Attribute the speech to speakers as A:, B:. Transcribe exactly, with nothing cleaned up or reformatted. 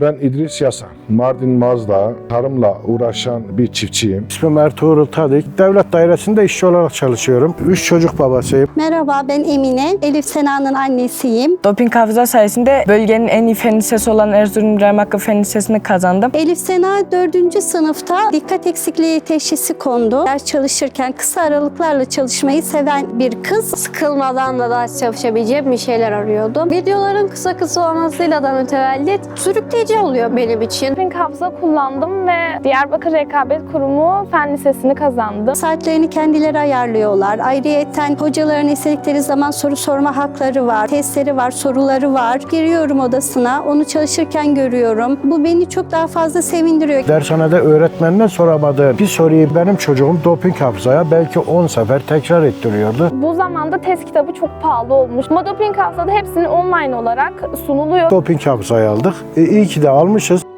A: Ben İdris Yasa, Mardin Mazda tarımla uğraşan bir çiftçiyim.
B: İsmim Ertuğrul Tadik. Devlet dairesinde işçi olarak çalışıyorum. Üç çocuk babasıyım.
C: Merhaba, ben Emine. Elif Sena'nın annesiyim.
D: Doping hafıza sayesinde bölgenin en iyi fen lisesi olan Erzurum İbrahim Hakkı Fen Lisesi'ni kazandım.
C: Elif Sena dördüncü sınıfta dikkat eksikliği teşhisi kondu. Ders çalışırken kısa aralıklarla çalışmayı seven bir kız.
E: Sıkılmadan da ders çalışabileceğim bir şeyler arıyordum. Videoların kısa kısa olmasıyla da mütevellit sürükleyici oluyor benim için.
F: Doping hafıza kullandım ve Diyarbakır Rekabet Kurumu Fen Lisesi'ni kazandım.
C: Saatlerini kendileri ayarlıyorlar. Ayrıyeten hocaların istedikleri zaman soru sorma hakları var. Testleri var, soruları var. Giriyorum odasına, onu çalışırken görüyorum. Bu beni çok daha fazla sevindiriyor.
B: Dershanede öğretmenine soramadığım bir soruyu benim çocuğum doping hafızaya belki on sefer tekrar ettiriyordu.
F: Bu zamanda test kitabı çok pahalı olmuş. Ama doping hafızada hepsini online olarak sunuluyor.
B: Doping hafızayı aldık. E, iyi ki de almışız.